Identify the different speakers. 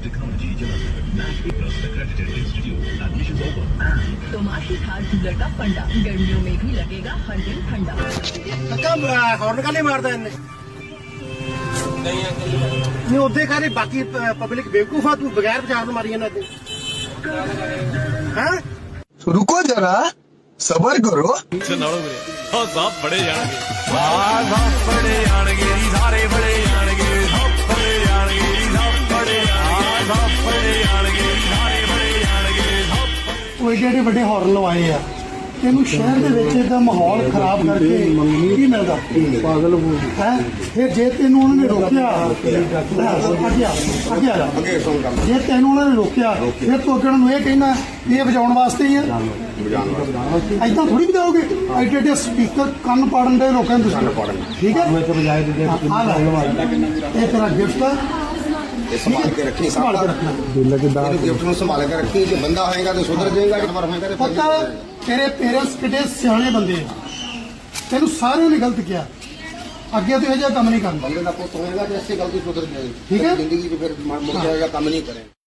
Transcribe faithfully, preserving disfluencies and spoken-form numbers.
Speaker 1: technology Jalandhar, N A C A plus accredited institute. Admissions open.
Speaker 2: तोमाशी Thar cooler का फंडा गर्मियों में भी लगेगा हर दिन ठंडा।
Speaker 3: ਕਾਕਾ ਹੌਰਨ ਕਾਹਨੇ ਮਾਰਦਾ ਇਹਨੇ ਨਹੀਂ ਉੱਥੇ ਕਾਹਦੇ ਬਾਕੀ ਪਬਲਿਕ ਬੇਵਕੂਫ ਆ ਤੂੰ ਬਗੈਰ ਵਿਚਾਰ ਤੋਂ ਮਾਰੀ ਇਹਨਾਂ ਤੇ ਹੈਂ
Speaker 4: रुको जरा सबर करो
Speaker 5: ਨਾਲੋਂ ਵੀਰੇ ਹਾਂ ਸਭ ਬੜੇ ਜਾਣਗੇ ਆ ਸਭ ਬੜੇ ਜਾਣਗੇ ਸਾਰੇ ਬੜੇ ਜਾਣਗੇ ਸਭ ਬੜੇ ਜਾਣਗੇ ਸਭ ਬੜੇ ਆ ਸਭ ਬੜੇ ਜਾਣਗੇ ਸਾਰੇ ਬੜੇ ਜਾਣਗੇ ਸਭ
Speaker 6: ਉਹ ਏਡੇ ਏਡੇ ਵੱਡੇ ਹੌਰਨ ਲਵਾਏ ਆ ਤੈਨੂੰ ਸ਼ਹਿਰ ਦੇ ਵਿੱਚ ਇਹਦਾ ਮਾਹੌਲ ਖਰਾਬ ਕਰਕੇ ਕੀ ਮਿਲਦਾ ਪਾਗਲ ਹੈ ਫਿਰ ਜੇ ਤੈਨੂੰ ਉਹਨਾਂ ਨੇ ਰੋਕਿਆ ਅੱਗੇ ਆ ਅੱਗੇ ਆ ਜਾ ਜੇ ਤੈਨੂੰ ਉਹਨਾਂ ਨੇ ਰੋਕਿਆ ਫਿਰ ਤੂੰ ਅੱਗੇ ਨੂੰ ਇਹ ਕਹਿਣਾ ਇਹ ਵਜਾਉਣ ਵਾਸਤੇ ਹੀ ਆ ਏਦਾਂ ਥੋੜੀ ਵਜਾਓਗੇ ਐਡੇ ਐਡੇ ਸਪੀਕਰ ਕੰਨ ਪਾੜਨ ਦੇ ਲੋਕਾਂ ਨੂੰ ਤੁਸੀਂ ਠੀਕ ਹੈ ਇਹ ਤੇਰਾ ਗਿਫਟ ਆ
Speaker 7: संभाल के रखनी
Speaker 6: संभाल के रखना
Speaker 7: गिफ्ट में संभाल के रखनी जो बंदा होएगा तो सुधर जाएगा नंबर होएगा तो
Speaker 6: ਪਤਾ ਤੇਰੇ ਪੇਰੈਂਟਸ ਕਿਤੇ ਸਿਆਣੇ ਬੰਦੇ ਆ ਤੈਨੂੰ ਸਾਰਿਆਂ ਨੇ ਗਲਤ ਕਿਹਾ ਅੱਗੇ ਤੋਂ ਇਹ ਜਿਹਾ ਕੰਮ ਨਹੀਂ ਕਰਨਾ
Speaker 7: बंदे का पुत्र होएगा तो ऐसी गलती सुधर जाएगी
Speaker 6: ठीक है?
Speaker 7: जिंदगी जो फिर मुड़ जाएगा काम नहीं करें।